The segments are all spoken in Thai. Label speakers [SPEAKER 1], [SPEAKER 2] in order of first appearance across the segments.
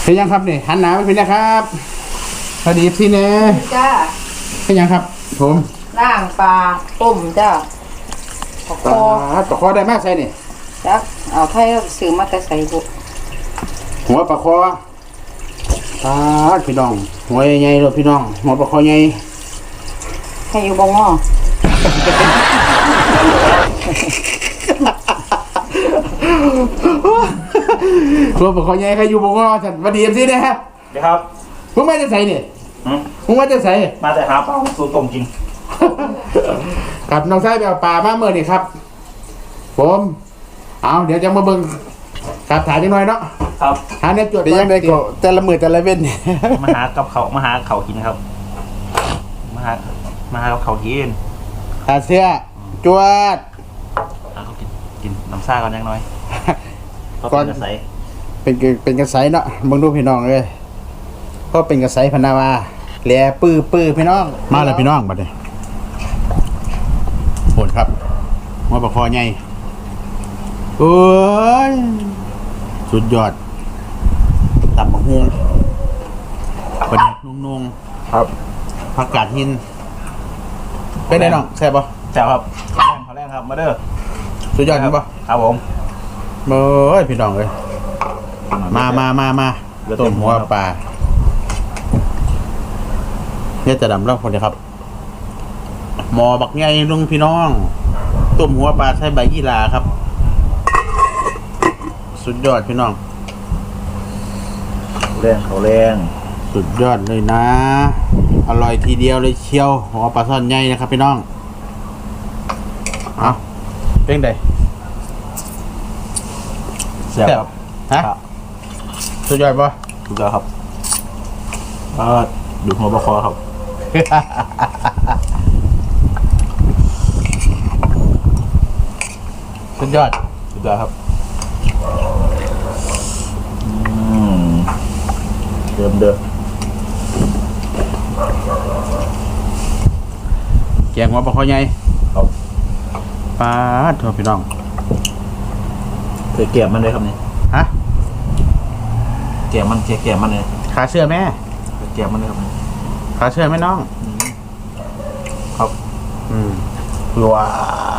[SPEAKER 1] เป็นยังครับนี่หันหนาไปเป็นนะครับพอดีพี่เน่
[SPEAKER 2] จ้า
[SPEAKER 1] เป็นยังครับผม
[SPEAKER 2] ล่างปลาต้มจ้า
[SPEAKER 1] ปลาคอได้มากใช่นี่
[SPEAKER 2] จ้าเอาไทยซื้อมาแต่ใส่บุ
[SPEAKER 1] หัวปลาคอพี่น้องหัวใหญ่ๆเลยพี่น้องหัวปลาคอใหญ่
[SPEAKER 2] ให้อยู่บ่งอ
[SPEAKER 1] หัวปลาคอใหญ่ใครอยู่บ่งอฉันวันดีสินะฮะ
[SPEAKER 3] เดี๋ยวครับ
[SPEAKER 1] มึงมาจะใส่เนี่ยมึงมาจะใส่
[SPEAKER 3] มาแต่หาปลาสูตรต้มกิน
[SPEAKER 1] กับน้องชายไปเอาปลามาเมื่อนี่ครับผมเอาเดี๋ยวจะมาเบิ่งกับถ่ายจังหน่อยเนาะ
[SPEAKER 3] ครับ
[SPEAKER 1] หาเนี่ยจวดยังไงก็แต่ละมือแต่ละเว้น
[SPEAKER 3] มาหากับเขามาหาเขากินครับมาหากับเขากิน
[SPEAKER 1] เสื้อจวด
[SPEAKER 3] เขากินน้ำซ่าก่อนยังน้อย
[SPEAKER 1] ก่อน
[SPEAKER 3] ใส
[SPEAKER 1] เป็นกระใสเนาะมึงดูพี่น้องเลยก็เป็นกระใสพนาวาแหล่ปื้อพี่น้องมาแล้วพี่น้องบัดนี้โหดครับหัวปลาคอใหญ่โอ้ยสุดยอดตับบักฮวงประเด็กนุ่งๆครับผักกาดหินเป็นไงน้องแซ่บปะ
[SPEAKER 3] แซ่บครับขอแรงครับมาเด้อ
[SPEAKER 1] สุดยอดครับปะ
[SPEAKER 3] ครับผม
[SPEAKER 1] เบ้ยพี่น้องเลยมาต้มหัวปลาเนี่ยจะดำเล่าคนเดียวครับหมอบักใหญ่ลุงพี่น้องต้มหัวปลาใช้ใบยี่หร่าครับสุดยอดพี่น้อง
[SPEAKER 3] เขาแรง
[SPEAKER 1] สุดยอดเลยนะอร่อยทีเดียวเลยเชียวหัวปลาซ่อนใหญ่นะครับพี่น้องเอาเป็นไง
[SPEAKER 3] แซ่บครับ
[SPEAKER 1] ฮะสุดยอดปะ
[SPEAKER 3] สุดยอดครับดูหัวปลาคอครับ
[SPEAKER 1] สุดยอด
[SPEAKER 3] ครับเดิม
[SPEAKER 1] แกงหัวปลาคอใหญ่
[SPEAKER 3] ครับ
[SPEAKER 1] ปลาทั่วพี่น้อง
[SPEAKER 3] เคยเกี่ยมมันเลยครับนี่
[SPEAKER 1] ฮะ
[SPEAKER 3] เกี่ยมมันเลย
[SPEAKER 1] ขาเชื่อแม่
[SPEAKER 3] เกี่ยมมันเลยครับ
[SPEAKER 1] ขาเชื่อไหมน้อง
[SPEAKER 3] ครับ
[SPEAKER 1] ว้า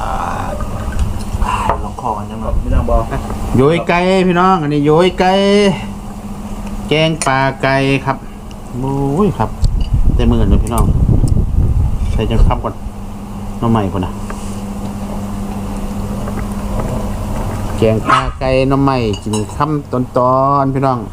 [SPEAKER 3] ลองคอกันยังแบบไม่ต้องบอก
[SPEAKER 1] โยยไก่พี่น้องอันนี้โยยไก่แกงปลาไก่ครับโอ้ยครับเต็มมือเลยพี่น้องใส่จนคับก่อนน้องใหม่ก่อนนะแกงปลาไก่น้องใหม่กินค่ำตอนพี่น้อง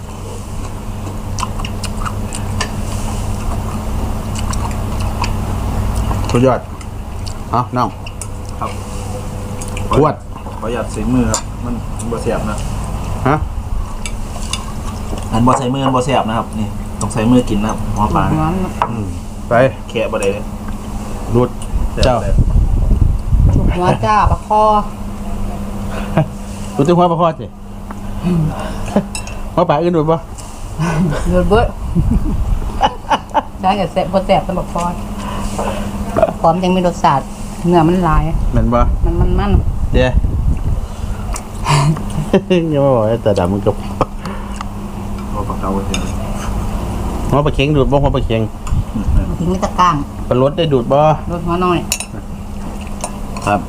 [SPEAKER 1] สุดยอดเอาน้อง
[SPEAKER 3] ครับ
[SPEAKER 1] ขวด
[SPEAKER 3] ประหยัดใส่มือครับมันบ่เสียบนะ
[SPEAKER 1] ฮะ
[SPEAKER 3] อันบ่ใส่มือมันบ่เสียบนะครับนี่ต้องใส่มือกินนะครับหัวปลา
[SPEAKER 1] ไป
[SPEAKER 3] แค่บ่ได้เลย
[SPEAKER 1] รูดเจ้า
[SPEAKER 2] หัวจ้าปลาคอ
[SPEAKER 1] รูดตัวหัวปลาคอสิหัวปลาอื่นรูดปะ
[SPEAKER 2] รูดเบิ้ลได้กับแซ่บแซ่บตลอดคอพร้อมยังมีรสชาติเนื้อมันลาย
[SPEAKER 1] เหม็นปะ
[SPEAKER 2] มัน
[SPEAKER 1] เดี๋ยวยังไม่บอกแต่ดำมันกับ
[SPEAKER 3] หัวปลาเก๋าเฉย
[SPEAKER 1] หัวปลาเค็งดูดบ่หัวปลาเค็ง
[SPEAKER 2] ทิ้งไม่ตะก้าง
[SPEAKER 1] ปลารสได้ดูดบ่
[SPEAKER 2] รสหัวน้อย
[SPEAKER 1] ครับ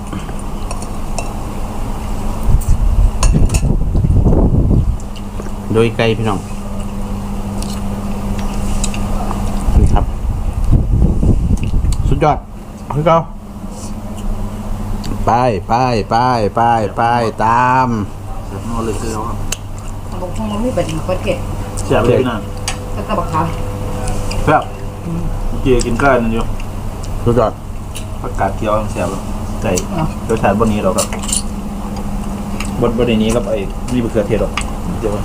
[SPEAKER 1] โดยไก่พี่น้องนี่ครับสุดยอดคือเก่าไปตาม
[SPEAKER 3] เสียบนอนเลยคือเขาครับ
[SPEAKER 2] บางคนมันไม่เป็นคนเก็บ
[SPEAKER 3] เสียบเลยนะ
[SPEAKER 2] แล้วก็บักค
[SPEAKER 3] ำเสียบเกี่ยกินก้านนั่นอยู่
[SPEAKER 1] สุดยอด
[SPEAKER 3] ผักกาดเคี้ยวเสียบใส่รสชาติบนนี้เราครับบนนี้ครับไอ้นี่มะเขือเทศหรอกเดี๋ยว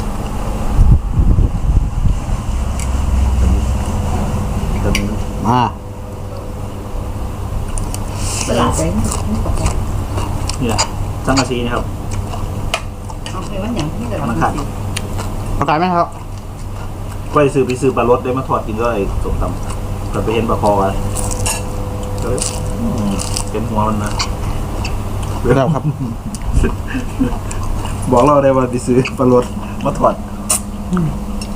[SPEAKER 1] มา
[SPEAKER 2] ตลาดเลย
[SPEAKER 3] นี่แหละสังกะสีนะครับ
[SPEAKER 2] เอาไปวันอย่างที่ตลาด
[SPEAKER 1] ขายไหมครับ
[SPEAKER 3] ก็ไปซื้อปลารสได้มาทอดกินก็ไอ้สมตำแต่ไปเห็นปลาคอกันเป็นหัวมันนะ
[SPEAKER 1] แล้วครับ
[SPEAKER 3] บอกเราได้ว่าไปซื้อปลารสมาทอด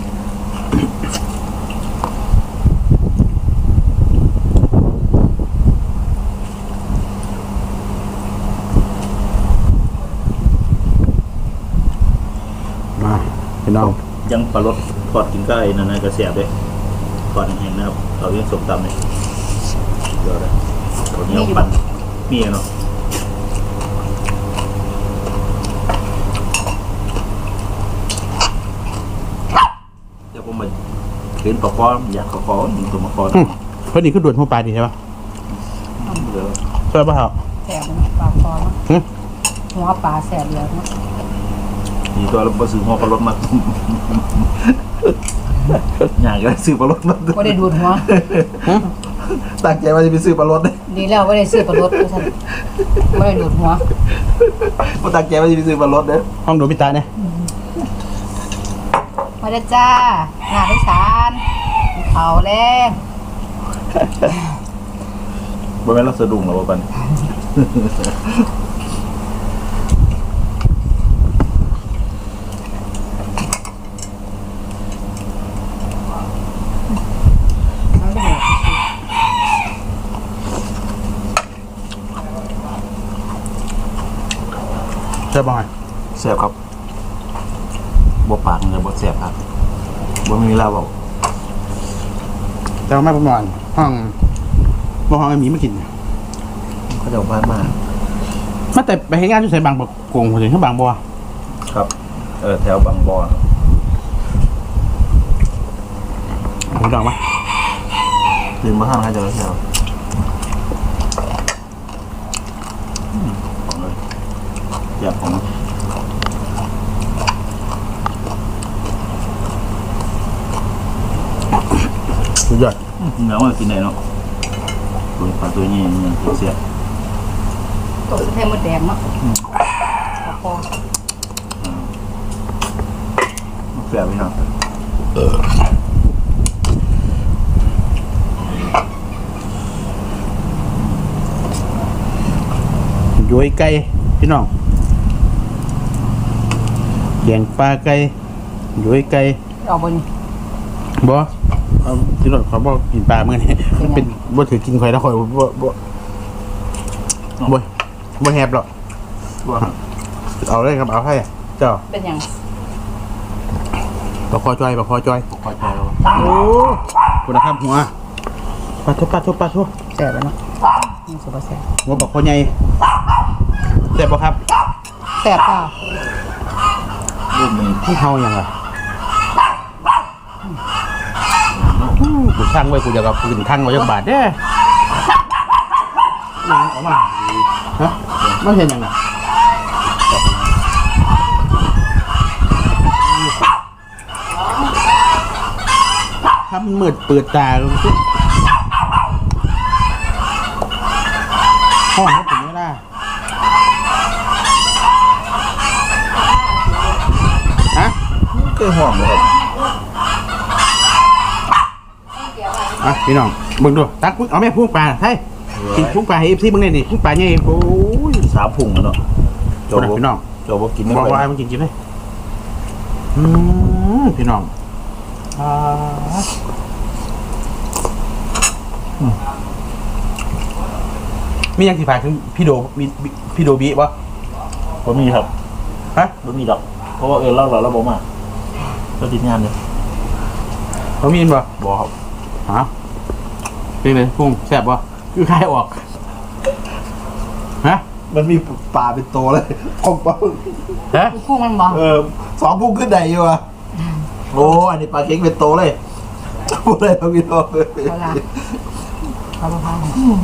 [SPEAKER 1] มาพี่น้อง
[SPEAKER 3] ยังปลาลดทอดกินก็ไอ้นั่นกระเสียบเลยทอดแห้งๆนะครับเราเรียกสมตำเลยเดี๋ยวเลยตัวนี้เอาปั่นมีเนาะเดี๋ยวผมมาเห็นปลาคออยากปลาคอหนึ่งตัวมาคอ
[SPEAKER 1] เพราะนี่คือด่วนหัวปลาดีใช่ปะ
[SPEAKER 3] เดี๋ยว
[SPEAKER 1] ใช่ปะครับ
[SPEAKER 2] แสบเนาะปลาคอเนาะหัวปลาแสบเลยเนาะ
[SPEAKER 3] มีตัวเราซื้อหัวปลาลดมา อยากจะซื้อปลาลดมา
[SPEAKER 2] ก็ได้ดูดหัว
[SPEAKER 3] ตั้งใจว่าจะไปซื้อปลาลดเลย
[SPEAKER 2] ดีแล้วก็ได้ซื้อปลาลดท่านไม่ได้ดูดหัว
[SPEAKER 3] เพราะตั้งใจว่าจะไปซื้อปลาลดเนี่ย
[SPEAKER 1] ห้องดูพิตาเนี่ย
[SPEAKER 2] มาเด้อจ้าหน้าพิสารเขาแรง
[SPEAKER 3] บ่แม่นเราสะดุ้งหรอวะปัน
[SPEAKER 1] ใช่ปะไง
[SPEAKER 3] แซ่บครับบ่ปากเลยบ่แซ่บครับบ่มีแล้วบอก
[SPEAKER 1] แต่ว่าไม่ประมาณห้องบ่ห้องไอ้หมีมากิน
[SPEAKER 3] เขาจะเอาบ้านมา
[SPEAKER 1] มาแต่ไปให้งานที่ใส่บางบกงถึงที่บางบัว
[SPEAKER 3] ครับแถวบางบอน
[SPEAKER 1] ผมดังปะ
[SPEAKER 3] ตื่นมาห้างให้เจอแถวของเลยอยากของ
[SPEAKER 1] สุดยอด
[SPEAKER 3] เนื้อมันกินได้เนาะตัวปลาตัวนี้ยังเสีย
[SPEAKER 2] ตกสะเทมดแดงเนาะปลาคอ
[SPEAKER 3] เสียไปเนาะ
[SPEAKER 1] ย้อยไก่พี่น้องแกงปลาไก่ย้อยไก่
[SPEAKER 2] เอาบน
[SPEAKER 1] บ่เอาพี่น้องเขาบอกกินปลาเมื่อนี้มันเป็นบ่ถือกินข่อยแล้วข่อยบ่แฮบหรอก
[SPEAKER 3] ตัว
[SPEAKER 1] เอาเลยครับเอาให้เจ้า
[SPEAKER 2] เป็นอย่าง
[SPEAKER 1] ปลาคอจอย
[SPEAKER 3] คอยใจเรา
[SPEAKER 1] โอ้คุณนะครับหัวปลาทุบ
[SPEAKER 2] แสบแล้วเนาะนี่สุดแสบ
[SPEAKER 1] หัวปลาคอใหญ่แซ่บบ่ครับ
[SPEAKER 2] แสบเปล่า
[SPEAKER 3] รูปนี้
[SPEAKER 1] ที่เฮาอย่างไรกูช่างไว้กูจะกับปืนทั้งไว้ยักบาทเด้ออกมาฮะไม่เห็นยังไงถ้ามันมืดเปิดตาลงสิห้องก็ถึงไม่ได้ฮะ
[SPEAKER 3] เคยห่วงเลยครับ
[SPEAKER 1] อ่ะพี่น้องเบิ่งดูตักมึงเอาแม่พุ่งปลาให้กินพุ่งปลาให้เอฟซีมึงเนี่ยดิพุ่งปลาเนี่ยโอ้ย
[SPEAKER 3] 3 พุงแล้วเนาะ
[SPEAKER 1] โจบพี่น้อง
[SPEAKER 3] โจบกินไม่
[SPEAKER 1] บอก
[SPEAKER 3] ไหว
[SPEAKER 1] ว่ามึงกินเลยพี่น้องมียังสิฝากถึงพี่โดมีพี่โดบีวะ
[SPEAKER 3] บ่มีครับ
[SPEAKER 1] ฮะ
[SPEAKER 3] บ่มีดอก เพราะว่าเล่าเราบ่มาเราติดงานเลย
[SPEAKER 1] เขามีนบ่
[SPEAKER 3] บ่ครับ
[SPEAKER 1] ฮะเป็นไงพุ่งแซ่บบ่คือคายออกฮะ
[SPEAKER 3] มันมีปลาเป็นตัวเลยของปลา
[SPEAKER 1] ฮะ
[SPEAKER 2] พุ่งมันบอก
[SPEAKER 3] 2 พุงขึ้นได้อยู่อ่ะโอ้อันนี้ปลาเค็งเป็นตัวเลยพูดเลยครับพี่น้อง
[SPEAKER 2] เอาละเอาละพัน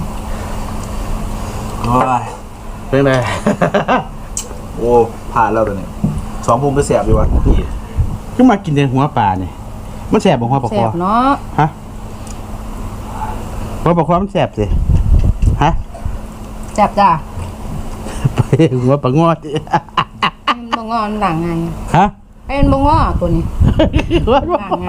[SPEAKER 3] โอ้ย
[SPEAKER 1] เป็นไง
[SPEAKER 3] โอ้ผ่านแล้วตัวนี้2 พุงก็แสบอยู่ว่ะพี่
[SPEAKER 1] ก็มากินแต่หัวปลาเนี่ยมันแซ่บบ่หัวปลา
[SPEAKER 2] แส
[SPEAKER 1] คอบ
[SPEAKER 2] เนาะ
[SPEAKER 1] ฮะหัวปลาคอมันแซ่บสิฮะ
[SPEAKER 2] แสบจ้า
[SPEAKER 1] ไปหัวปลางอด
[SPEAKER 2] มันบงอมันด่างไง
[SPEAKER 1] ฮะ
[SPEAKER 2] ไอ้มันบงอตัวนี้
[SPEAKER 1] หัวปลา
[SPEAKER 2] ด่างไง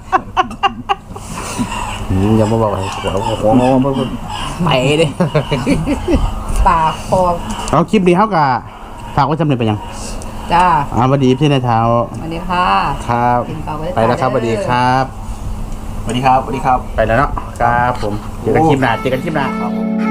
[SPEAKER 1] อย่ามาบอกให้หัวงอมันไปเลย
[SPEAKER 2] ปลาคอ
[SPEAKER 1] เอาคลิปนี้เขากับฝากไว้จำเลยไปยัง
[SPEAKER 2] จจ้า
[SPEAKER 1] สวัสดีพี่นายเท้า
[SPEAKER 2] สวัสดีค่ะ
[SPEAKER 1] ครับ
[SPEAKER 2] กินข้าวไว้
[SPEAKER 1] ไปแล้วครับส
[SPEAKER 2] จ้า
[SPEAKER 1] วัสดีครับ
[SPEAKER 3] สวัสดีครับสวัสดีครับ
[SPEAKER 1] ไปแล้วเนาะครับผมเจอกันคลิปหน้าเจอกันคลิปหน้า
[SPEAKER 3] ครับ